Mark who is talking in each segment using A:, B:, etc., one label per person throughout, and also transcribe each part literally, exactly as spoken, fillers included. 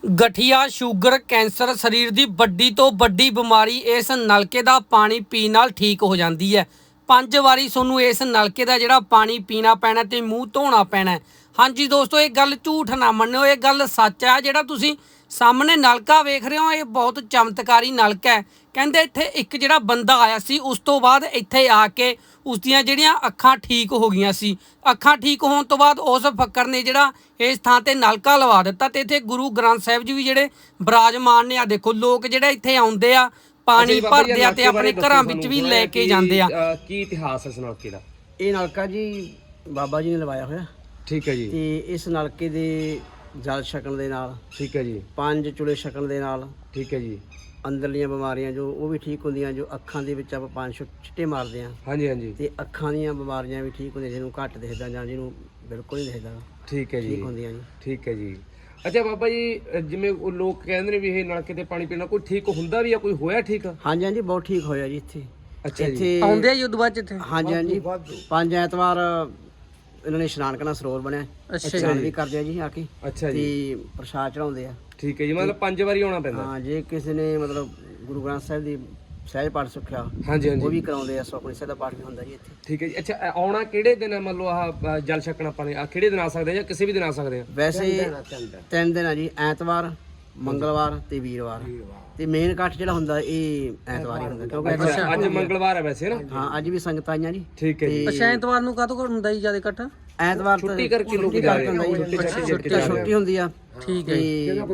A: गठिया sugar cancer शरीर की वड्डी तो वड्डी बीमारी इस नलके का पानी पीने नाल ठीक हो जाती है। पंज वारी सोनू इस नलके का जिहड़ा पानी पीना पैना ते मूँह धोना पैना है। हाँ जी दोस्तों, ये गल झूठ ना मन्नो, ये गल सच है। जिहड़ा तुसीं सामने नलका वेख रहे हो, ये बहुत चमत्कारी नलका है। कहंदे इत्थे एक जिहड़ा बंदा आया सी, उस तो बाद इत्थे आके उसदियां जिहड़ियां अखां ठीक हो गईयां सी। अखां ठीक होण तो बाद उस फक्कर ने जिहड़ा इस थां ते नलका लवा दिता ते इत्थे गुरु ग्रंथ साहिब जी भी जिहड़े विराजमान ने। आ देखो लोग जिहड़े इत्थे आउंदे आ, पानी भरदे आ ते अपने घरां विच भी ले के जांदे आ।
B: की इतिहास है इस नलके दा?
C: ਇਹ ਨਲਕਾ ਜੀ ਬਾਬਾ ਜੀ ਨੇ ਲਵਾਇਆ ਹੋਇਆ
B: ठीक है जी।
C: ਤੇ ਇਸ ਨਲਕੇ ਦੇ ਜਲ ਛਕਣ ਦੇ ਨਾਲ,
B: ठीक है जी।
C: ਪੰਜ ਚੁਲੇ ਛਕਣ ਦੇ ਨਾਲ
B: ठीक है जी।
C: ਅੰਦਰਲੀਆਂ ਬਿਮਾਰੀਆਂ ਜੋ ਉਹ ਵੀ ਠੀਕ ਹੁੰਦੀਆਂ। ਜੋ ਅੱਖਾਂ ਦੇ ਵਿੱਚ ਆਪਾਂ ਪੰਜ ਛੁ- ਛਿੱਟੇ ਮਾਰਦੇ ਆ
B: हाँ जी हाँ जी।
C: ਤੇ ਅੱਖਾਂ ਦੀਆਂ ਬਿਮਾਰੀਆਂ ਵੀ ਠੀਕ ਹੁੰਦੀਆਂ। ਜਿਹਨੂੰ ਘੱਟ ਦਿਖਦਾ ਜਾਂ ਜਿਹਨੂੰ ਬਿਲਕੁਲ ਨਹੀਂ ਦਿਖਦਾ
B: ठीक है जी।
C: ਠੀਕ ਹੁੰਦੀਆਂ ਜੀ।
B: ठीक है ਜੀ। ਅੱਛਾ ਬਾਬਾ ਜੀ, ਜਿਵੇਂ ਉਹ ਲੋਕ ਕਹਿੰਦੇ ਨੇ ਵੀ ਇਹ ਨਲਕੇ ਤੇ ਪਾਣੀ ਪੀਣਾ ਕੋਈ ਠੀਕ ਹੁੰਦਾ ਵੀ ਆ, ਕੋਈ ਹੋਇਆ ਠੀਕ?
C: ਹਾਂਜੀ ਹਾਂਜੀ, ਬਹੁਤ ਠੀਕ ਹੋਇਆ ਜੀ ਇੱਥੇ।
B: ਅੱਛਾ ਜੀ।
C: ਇੱਥੇ
A: ਆਉਂਦੇ ਆ ਯੁੱਧ ਬਾਅਦ ਇੱਥੇ।
C: ਹਾਂਜੀ ਹਾਂਜੀ, ਪੰਜ ਐਤਵਾਰ ਇਹਨਾਂ ਨੇ ਇਸ਼ਨਾਨ ਕਰਨਾ, ਸਰੋਵਰ ਬਣਿਆ, ਇਸ਼ਨਾਨ ਵੀ ਕਰਦੇ ਆ ਜੀ ਆ ਕੇ
B: ਅੱਛਾ ਜੀ।
C: ਤੇ ਪ੍ਰਸ਼ਾਦ ਚੜਾਉਂਦੇ ਆ।
B: ਠੀਕ ਹੈ ਜੀ, ਮਤਲਬ ਪੰਜ ਵਾਰੀ ਆਉਣਾ ਪੈਂਦਾ?
C: ਹਾਂ, ਜੇ ਕਿਸੇ ਨੇ ਮਤਲਬ ਗੁਰੂ ਗ੍ਰੰਥ ਸਾਹਿਬ ਦੀ ਸਹਿਜ ਪਾਠ ਸਿੱਖਿਆ,
B: ਹਾਂਜੀ
C: ਉਹ
B: ਹਾਂਜੀ।
C: ਵੀ ਕਰਾਉਂਦੇ ਆ। ਸੁਖਮਨੀ ਸਾਹਿਬ ਦਾ ਪਾਠ ਵੀ ਹੁੰਦਾ ਜੀ ਇੱਥੇ।
B: ਠੀਕ ਹੈ ਜੀ। ਅੱਛਾ, ਇਹ ਆਉਣਾ ਕਿਹੜੇ ਦਿਨ ਹੈ? ਮੰਨ ਲਓ ਆਹ ਅ, ਜਲ ਛਕਣਾ ਪਾਣੀ ਆ ਕਿਹੜੇ ਦਿਨ ਆ ਸਕਦੇ ਆ ਜਾਂ ਕਿਸੇ ਵੀ ਦਿਨ ਆ ਸਕਦੇ ਆ?
C: ਵੈਸੇ ਤਿੰਨ ਦਿਨ ਆ ਜੀ, ਐਤਵਾਰ, ਮੰਗਲਵਾਰ ਤੇ ਵੀਰਵਾਰ। ਤੇ ਮੇਨ ਇਕੱਠ ਜਿਹੜਾ ਹੁੰਦਾ ਇਹ ਐਤਵਾਰ ਹੀ ਹੁੰਦਾ, ਕਿਉਂਕਿ
B: ਅੱਛਾ, ਅੱਜ ਮੰਗਲਵਾਰ ਹੈ ਵੈਸੇ ਨਾ?
C: ਹਾਂ, ਅੱਜ ਵੀ ਸੰਗਤ ਆਈਆਂ ਜੀ।
B: ਠੀਕ ਹੈ ਜੀ।
A: ਅੱਛਾ, ਐਤਵਾਰ ਨੂੰ ਕਾਹਤੋਂ ਹੁੰਦਾ ਜੀ ਜਿਆਦਾ ਇਕੱਠ?
C: ਐਤਵਾਰ ਤਾਂ
B: ਛੁੱਟੀ ਕਰਕੇ ਲੋਕ
C: ਛੁੱਟੀ
B: ਜਾ
C: ਕਰਕੇ ਹੁੰਦਾ ਜੀ।
B: ਛੁੱਟੀ
C: ਛੁੱਟੀ ਹੁੰਦੀ ਆ।
A: ਠੀਕ ਹੈ ਜੀ।
C: ਤੇ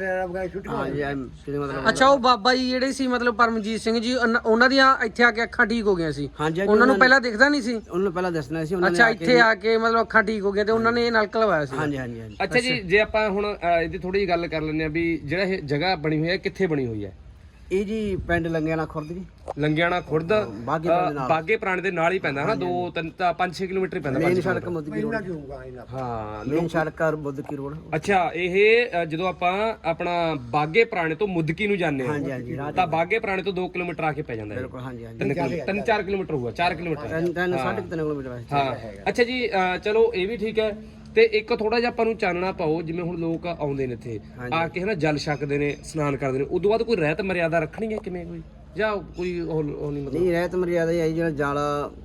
C: ਹਾਂ ਜੀ, ਐਂ ਜਿਹਦੇ ਮਤਲਬ
A: ਅੱਛਾ, ਉਹ ਬਾਬਾ ਜੀ ਜਿਹੜੇ ਸੀ ਮਤਲਬ ਪਰਮਜੀਤ ਸਿੰਘ ਜੀ, ਉਹਨਾਂ- ਉਹਨਾਂ ਦੀਆਂ ਇੱਥੇ ਆ ਕੇ ਅੱਖਾਂ ਠੀਕ ਹੋ ਗਈਆਂ ਸੀ।
C: ਹਾਂਜੀ ਹਾਂਜੀ,
A: ਉਹਨਾਂ ਨੂੰ ਪਹਿਲਾਂ ਦਿਖਦਾ ਨਹੀਂ ਸੀ?
C: ਉਹਨਾਂ ਨੂੰ ਪਹਿਲਾਂ ਦੱਸਣਾ ਸੀ ਉਹਨਾਂ ਨੇ
A: ਅੱਛਾ,
C: ਆ ਕੇ।
A: ਇੱਥੇ ਆ ਕੇ ਮਤਲਬ ਅੱਖਾਂ ਠੀਕ ਹੋ ਗਈਆਂ ਤੇ ਉਹਨਾਂ ਨੇ ਇਹ ਨਲਕਾ ਲਵਾਇਆ ਸੀ।
C: ਹਾਂਜੀ ਹਾਂਜੀ ਹਾਂਜੀ।
B: ਅੱਛਾ ਜੀ, ਜੇ ਆਪਾਂ ਹੁਣ ਅ, ਇਹਦੀ ਥੋੜੀ ਜਿਹੀ ਗੱਲ ਕਰ ਲੈਂਦੇ ਆ ਵੀ ਜਿਹੜਾ ਇਹ ਜਗ੍ਹਾ ਬਣੀ ਹੋਈ ਹੈ ਕਿੱਥੇ ਬਣੀ ਹੋਈ ਹੈ?
C: ਇਹ ਜੀ ਪਿੰਡ ਲੰਗਿਆਣਾ ਖੁਰਦ ਜੀ,
B: ਲੰਗਿਆਣਾ ਖੁਰਦ,
C: ਬਾਗੇ ਪੁਰਾਣੇ ਦੇ ਨਾਲ।
B: ਬਾਗੇ ਪੁਰਾਣੇ ਦੇ ਨਾਲ ਹੀ ਪੈਂਦਾ ਹਨਾ? ਦੋ ਤਿੰਨ ਤਾਂ ਪੰਜ ਛੇ ਕਿਲੋਮੀਟਰ ਹੀ ਪੈਂਦਾ।
C: ਮੇਨ ਸੜਕ ਮੁੱਦਕੀ ਰੋਡ।
B: ਹਾਂ,
C: ਮੇਨ ਸੜਕ ਆ ਮੁੱਦਕੀ ਰੋਡ।
B: ਅੱਛਾ, ਇਹ ਅ, ਜਦੋਂ ਆਪਾਂ ਆਪਣਾ ਬਾਗੇ ਪੁਰਾਣੇ ਤੋਂ ਮੁੱਦਕੀ ਨੂੰ ਜਾਂਦੇ
C: ਹਾਂਜੀ
B: ਹਾਂ
C: ਹਾਂਜੀ, ਰਾਹ
B: ਤਾਂ ਬਾਗੇ ਪੁਰਾਣੇ ਤੋਂ ਦੋ ਕਿਲੋਮੀਟਰ ਆ ਕੇ ਪੈ ਜਾਂਦਾ ਹੈ।
C: ਬਿਲਕੁਲ। ਹਾਂਜੀ ਹਾਂਜੀ,
B: ਤਿੰਨ ਕਿਲੋਮੀਟਰ, ਤਿੰਨ ਚਾਰ ਕਿਲੋਮੀਟਰ ਹੋਊਗਾ, ਚਾਰ ਕਿਲੋਮੀਟਰ।
C: ਤਿੰਨ ਤਿੰਨ ਸਾਢੇ ਕੁ ਤਿੰਨ ਕਿਲੋਮੀਟਰ ਵੈਸੇ।
B: ਹਾਂ। ਅੱਛਾ ਜੀ, ਅ, ਚਲੋ ਇਹ ਵੀ ਠੀਕ ਹੈ। ਤੇ ਇੱਕ ਥੋੜਾ ਜਿਹਾ ਆਪਾਂ ਨੂੰ ਚਾਨਣਾ ਪਾਓ, ਜਿਵੇਂ ਹੁਣ ਲੋਕ ਆਉਂਦੇ ਨੇ ਇੱਥੇ ਆ ਕੇ ਹਨਾ ਜਲ ਛਕਦੇ ਨੇ, ਇਸ਼ਨਾਨ ਕਰਦੇ ਨੇ, ਉਦੋਂ ਬਾਅਦ ਕੋਈ ਰਹਿਤ ਮਰਿਆਦਾ ਰੱਖਣੀ ਹੈ ਕਿਵੇਂ ਕੋਈ, ਜਾਂ ਕੋਈ ਉਹ ਉਹ ਨਹੀਂ ਮਤਲਬ?
C: ਨਹੀਂ, ਰਹਿਤ ਮਰਿਆਦਾ ਹੀ ਆਈ। ਜਿਹੜਾ ਜਲ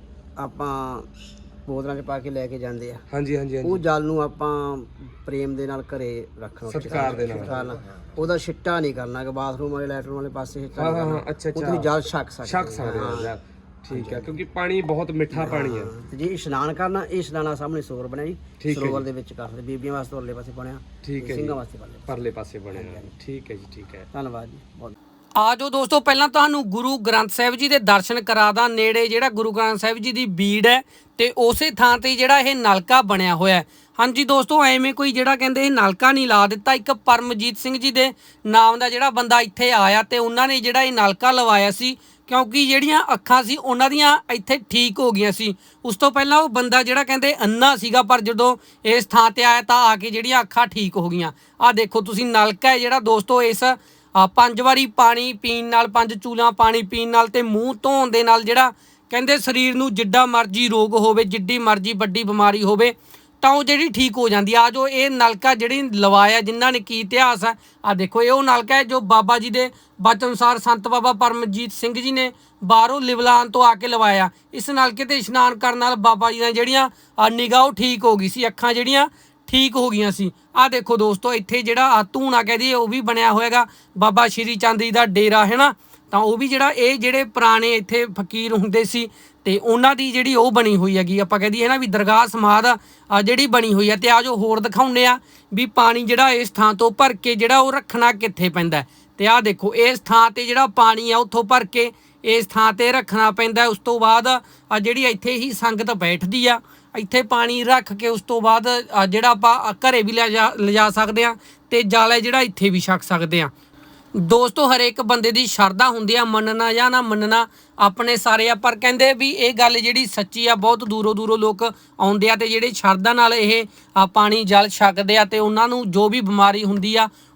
C: ਆਪਾਂ ਬੋਤਲਾਂ 'ਚ ਪਾ ਕੇ ਲੈ ਕੇ ਜਾਂਦੇ ਆ,
B: ਹਾਂਜੀ ਹਾਂਜੀ ਹਾਂਜੀ।
C: ਉਹ ਜਲ ਨੂੰ ਆਪਾਂ ਪ੍ਰੇਮ ਦੇ ਨਾਲ ਘਰੇ ਰੱਖਣਾ,
B: ਸਤਿਕਾਰ ਦੇ ਨਾਲ।
C: ਸਤਿਕਾਰ ਨਾਲ। ਉਹਦਾ ਛਿੱਟਾ ਨਹੀਂ ਕਰਨਾ ਕਿ ਬਾਥਰੂਮ ਵਾਲੇ ਲੈਟਰਨ ਵਾਲੇ ਪਾਸੇ ਛਿੱਟਾ
B: ਹਾਂ
C: ਨਹੀਂ
B: ਹਾਂ
C: ਕਰਨਾ।
B: ਹਾਂ। ਅੱਛਾ
C: ਉਹ
B: ਅੱਛਾ,
C: ਤੁਸੀਂ ਜਲ ਛਕ ਸਕਦੇ
B: ਛਕ ਸਕਦੇ ਹੋ ਯਾਰ। ਠੀਕ ਹੈ, ਕਿਉਂਕਿ ਪਾਣੀ ਬਹੁਤ ਮਿੱਠਾ ਪਾਣੀ ਹੈ।
C: ਤੇ ਜੇ ਇਸ਼ਨਾਨ ਕਰਨਾ, ਇਹ ਇਸ਼ਨਾਨਾ ਸਾਹਮਣੇ ਸਰੋਵਰ ਬਣਿਆ ਜੀ,
B: ਠੀਕ ਹੈ
C: ਸਰੋਵਰ ਦੇ ਵਿੱਚ ਕਰਦੇ। ਬੀਬੀਆਂ ਵਾਸਤੇ ਉਰਲੇ ਪਾਸੇ ਬਣਿਆ,
B: ਠੀਕ ਹੈ ਜੀ।
C: ਸਿੰਘਾਂ ਵਾਸਤੇ ਪਰਲੇ।
B: ਪਰਲੇ ਪਾਸੇ ਬਣਿਆ। ਠੀਕ ਹੈ ਜੀ, ਠੀਕ ਹੈ।
C: ਧੰਨਵਾਦ ਜੀ ਬਹੁਤ।
A: ਆ ਜਾਓ ਦੋਸਤੋ, ਪਹਿਲਾਂ ਤੁਹਾਨੂੰ ਗੁਰੂ ਗ੍ਰੰਥ ਸਾਹਿਬ ਜੀ ਦੇ ਦਰਸ਼ਨ ਕਰਾ ਦਾਂ। ਨੇੜੇ ਜਿਹੜਾ ਗੁਰੂ ਗ੍ਰੰਥ ਸਾਹਿਬ ਜੀ ਦੀ ਬੀੜ ਹੈ ਤੇ ਉਸੇ ਥਾਂ ਤੇ ਜਿਹੜਾ ਇਹ ਨਲਕਾ ਬਣਿਆ ਹੋਇਆ ਹੈ। ਹਾਂਜੀ ਦੋਸਤੋ, ਐਵੇਂ ਕੋਈ ਜਿਹੜਾ ਕਹਿੰਦੇ ਇਹ ਨਲਕਾ ਨਹੀਂ ਲਾ ਦਿੱਤਾ। ਇੱਕ ਪਰਮਜੀਤ ਸਿੰਘ ਜੀ ਦੇ ਨਾਮ ਦਾ ਜਿਹੜਾ ਬੰਦਾ ਇੱਥੇ ਆਇਆ ਤੇ ਉਹਨਾਂ ਨੇ ਜਿਹੜਾ ਇਹ ਨਲਕਾ ਲਵਾਇਆ ਸੀ, ਕਿਉਂਕਿ ਜਿਹੜੀਆਂ ਅੱਖਾਂ ਸੀ ਉਹਨਾਂ ਦੀਆਂ ਇੱਥੇ ਠੀਕ ਹੋ ਗਈਆਂ ਸੀ। ਉਸ ਤੋਂ ਪਹਿਲਾਂ ਉਹ ਬੰਦਾ ਜਿਹੜਾ ਕਹਿੰਦੇ ਅੰਨਾ ਸੀਗਾ, ਪਰ ਜਦੋਂ ਇਸ ਥਾਂ ਤੇ ਆਇਆ ਤਾਂ ਆ ਕੇ ਜਿਹੜੀਆਂ ਅੱਖਾਂ ਠੀਕ ਹੋ ਗਈਆਂ। ਆਹ ਦੇਖੋ ਤੁਸੀਂ, ਨਲਕਾ ਹੈ ਜਿਹੜਾ ਦੋਸਤੋ ਇਸ ਆ ਪੰਜ ਵਾਰੀ ਪਾਣੀ ਪੀਣ ਨਾਲ, ਪੰਜ ਚੂਲਾਂ ਪਾਣੀ ਪੀਣ ਨਾਲ ਤੇ ਮੂੰਹ ਧੋਣ ਦੇ ਨਾਲ ਜਿਹੜਾ ਕਹਿੰਦੇ ਸਰੀਰ ਨੂੰ ਜਿੱਡਾ ਮਰਜ਼ੀ ਰੋਗ ਹੋਵੇ, ਜਿੱਡੀ ਮਰਜ਼ੀ ਵੱਡੀ ਬਿਮਾਰੀ ਹੋਵੇ ਤਾਂ ਉਹ ਜਿਹੜੀ ਠੀਕ ਹੋ ਜਾਂਦੀ ਆ। ਜੋ ਇਹ ਨਲਕਾ ਜਿਹੜੀ ਲਵਾਇਆ, ਜਿਨ੍ਹਾਂ ਨੇ ਕੀ ਇਤਿਹਾਸ ਆ, ਆ ਦੇਖੋ ਇਹ ਉਹ ਨਲਕਾ ਹੈ ਜੋ ਬਾਬਾ ਜੀ ਦੇ ਬਚਨ ਅਨੁਸਾਰ ਸੰਤ ਬਾਬਾ ਪਰਮਜੀਤ ਸਿੰਘ ਜੀ ਨੇ ਬਾਹਰੋਂ ਲਿਵਲਾਨ ਤੋਂ ਆ ਕੇ ਲਵਾਇਆ। ਇਸ ਨਲਕੇ ਤੇ ਇਸ਼ਨਾਨ ਕਰਨ ਨਾਲ ਬਾਬਾ ਜੀ ਦੀਆਂ ਜਿਹੜੀਆਂ ਨਿਗਾਹ ਉਹ ਠੀਕ ਹੋ ਗਈ ਸੀ, ਅੱਖਾਂ ਜਿਹੜੀਆਂ ਠੀਕ ਹੋ ਗਈਆਂ ਸੀ। ਆ ਦੇਖੋ ਦੋਸਤੋ, ਇੱਥੇ ਜਿਹੜਾ ਆ ਧੂਣਾ ਕਹਿ ਦਈਏ ਉਹ ਵੀ ਬਣਿਆ ਹੋਏਗਾ, ਬਾਬਾ ਸ਼੍ਰੀ ਚੰਦ ਜੀ ਦਾ ਡੇਰਾ ਹੈ ਨਾ। ਤਾਂ ਉਹ ਵੀ ਜਿਹੜਾ ਇਹ ਜਿਹੜੇ ਪੁਰਾਣੇ ਇੱਥੇ ਫਕੀਰ ਹੁੰਦੇ ਸੀ ਤੇ ਉਹਨਾਂ ਦੀ ਜਿਹੜੀ ਉਹ ਬਣੀ ਹੋਈ ਹੈਗੀ, ਆਪਾਂ ਕਹਿ ਦਈਏ ਨਾ ਵੀ ਦਰਗਾਹ ਸਮਾਧ ਆ ਜਿਹੜੀ ਬਣੀ ਹੋਈ ਹੈ। ਤੇ ਆ ਜੋ ਹੋਰ ਦਿਖਾਉਂਦੇ ਆ ਵੀ ਪਾਣੀ ਜਿਹੜਾ ਇਸ ਥਾਂ ਤੋਂ ਭਰ ਕੇ ਜਿਹੜਾ ਉਹ ਰੱਖਣਾ ਕਿੱਥੇ ਪੈਂਦਾ। ਤੇ ਆਹ ਦੇਖੋ, ਇਸ ਥਾਂ ਤੇ ਜਿਹੜਾ ਪਾਣੀ ਆ ਉੱਥੋਂ ਭਰ ਕੇ ਇਸ ਥਾਂ ਤੇ ਰੱਖਣਾ ਪੈਂਦਾ। ਉਸ ਤੋਂ ਬਾਅਦ ਆ ਜਿਹੜੀ ਇੱਥੇ ਹੀ ਸੰਗਤ ਬੈਠਦੀ ਆ, ਇੱਥੇ ਪਾਣੀ ਰੱਖ ਕੇ ਉਸ ਤੋਂ ਬਾਅਦ ਜਿਹੜਾ ਆਪਾਂ ਘਰੇ ਵੀ ਲਿਜਾ ਲਿਜਾ ਸਕਦੇ ਹਾਂ ਤੇ ਜਲ ਹੈ ਜਿਹੜਾ ਇੱਥੇ ਵੀ ਛਕ ਸਕਦੇ ਹਾਂ। ਦੋਸਤੋ, ਹਰੇਕ ਬੰਦੇ ਦੀ ਸ਼ਰਧਾ ਹੁੰਦੀ ਆ, ਮੰਨਣਾ ਜਾਂ ਨਾ ਮੰਨਣਾ ਆਪਣੇ ਸਾਰੇ ਆ, ਪਰ ਕਹਿੰਦੇ ਵੀ ਇਹ ਗੱਲ ਜਿਹੜੀ ਸੱਚੀ ਆ। ਬਹੁਤ ਦੂਰੋਂ ਦੂਰੋਂ ਲੋਕ ਆਉਂਦੇ ਆ ਤੇ ਜਿਹੜੇ ਸ਼ਰਧਾ ਨਾਲ ਇਹ ਪਾਣੀ ਜਲ ਛਕਦੇ ਆ ਤੇ ਉਹਨਾਂ ਨੂੰ ਜੋ ਵੀ ਬਿਮਾਰੀ ਹੁੰਦੀ ਆ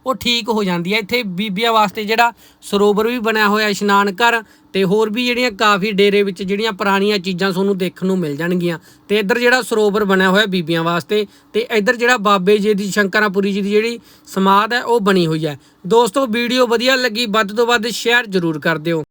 A: ਉਹ ਠੀਕ ਹੋ ਜਾਂਦੀ ਹੈ। ਇੱਥੇ ਬੀਬੀਆਂ ਵਾਸਤੇ ਜਿਹੜਾ ਸਰੋਵਰ ਵੀ ਬਣਿਆ ਹੋਇਆ ਇਸ਼ਨਾਨ ਘਰ, ਤੇ ਹੋਰ ਵੀ ਜਿਹੜੀਆਂ ਕਾਫੀ ਡੇਰੇ ਵਿੱਚ ਜਿਹੜੀਆਂ ਪੁਰਾਣੀਆਂ ਚੀਜ਼ਾਂ ਤੁਹਾਨੂੰ ਦੇਖਣ ਨੂੰ ਮਿਲ ਜਾਣਗੀਆਂ। ਤੇ ਇੱਧਰ ਜਿਹੜਾ ਸਰੋਵਰ ਬਣਿਆ ਹੋਇਆ ਬੀਬੀਆਂ ਵਾਸਤੇ, ਤੇ ਇੱਧਰ ਜਿਹੜਾ ਬਾਬੇ ਜੀ ਦੀ ਸ਼ੰਕਰਾਪੁਰੀ ਜੀ ਦੀ ਜਿਹੜੀ ਸਮਾਧ ਹੈ ਉਹ ਬਣੀ ਹੋਈ ਹੈ। ਦੋਸਤੋ ਵੀਡੀਓ ਵਧੀਆ ਲੱਗੀ ਵੱਧ ਤੋਂ ਵੱਧ ਸ਼ੇਅਰ ਜ਼ਰੂਰ ਕਰ ਦਿਓ।